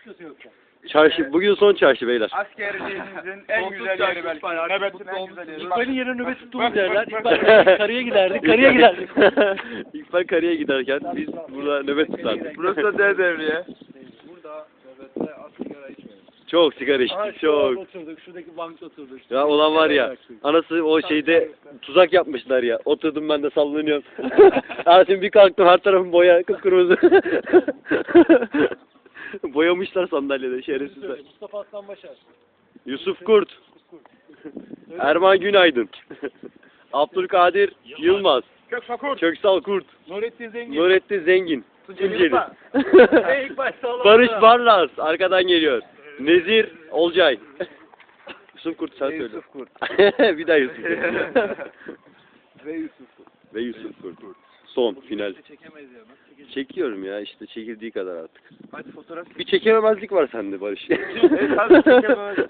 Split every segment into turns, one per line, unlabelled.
çıkıyorsun yoksa?
Çarşı, bugün son çarşı beyler.
Askerliğimizin en güzel yeri belki. Nöbetin en güzel yeri.
İkbal'in yerine nöbet tuttuğumuz yerler. İkbal karıya giderdik. Karıya giderdik.
İkbal karıya giderken biz burada nöbet tutardık.
Burası da D devriye.
Çok sigara
Aha,
içtik,
şurada
çok.
oturduk. Şuradaki bankta oturduk.
Ya olan var ya, anası o şeyde tuzak yapmışlar ya. Oturdum ben de sallanıyorum. Şimdi bir kalktım, her tarafım boya, kıpkırmızı. Boyamışlar sandalyede, şerefsizler.
Mustafa Aslan Başar.
Yusuf Kurt, Erman Günaydın, Abdülkadir Yılmaz, Köksal Kurt, Nurettin Zengin, Tunceli, Barış Barlas arkadan geliyor, Nezir Olcay. Yusuf Kurt sen söyle.
Yusuf Kurt.
Bir daha Yusuf Kurt.
Ve Yusuf Kurt.
Son final.
Çekemeyiz ya.
Çekiyorum ya işte çekildiği kadar artık.
Hadi fotoğraf.
Bir çekememezlik var sende Barış.
Tabii çekememezlik.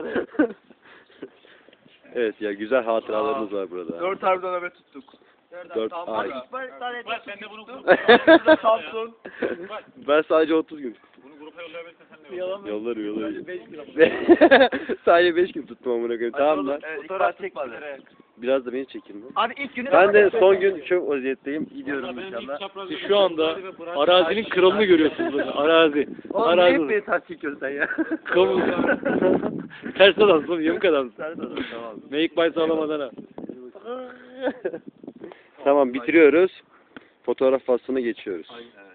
Evet ya güzel hatıralarımız var burada.
4 harbiden nöbet tuttuk.
4 ay.
Sen de bunu
Samsun.
Ben sadece 30 gün.
Bunu grupa yollayabilirsin sen de yolla.
Yollarım.
5 kilo.
Sadece 5 gün tuttum amına koyayım. Tamam lan.
Fotoğraf çek bari.
Biraz da beni çekin lan.
Abi ilk günü
Ben de son gün çok vaziyetteyim. Gidiyorum inşallah.
Siz şu anda arazinin kralını görüyorsunuz burada. Arazi.
Oğlum niye hep beni ters çekiyorsun sen ya?
Kamu. Ters adamsın, yamuk adamsın.
Ters adam tamam.
Meyik bay sağlamadan ha.
Tamam bitiriyoruz. Fotoğraf faslına geçiyoruz.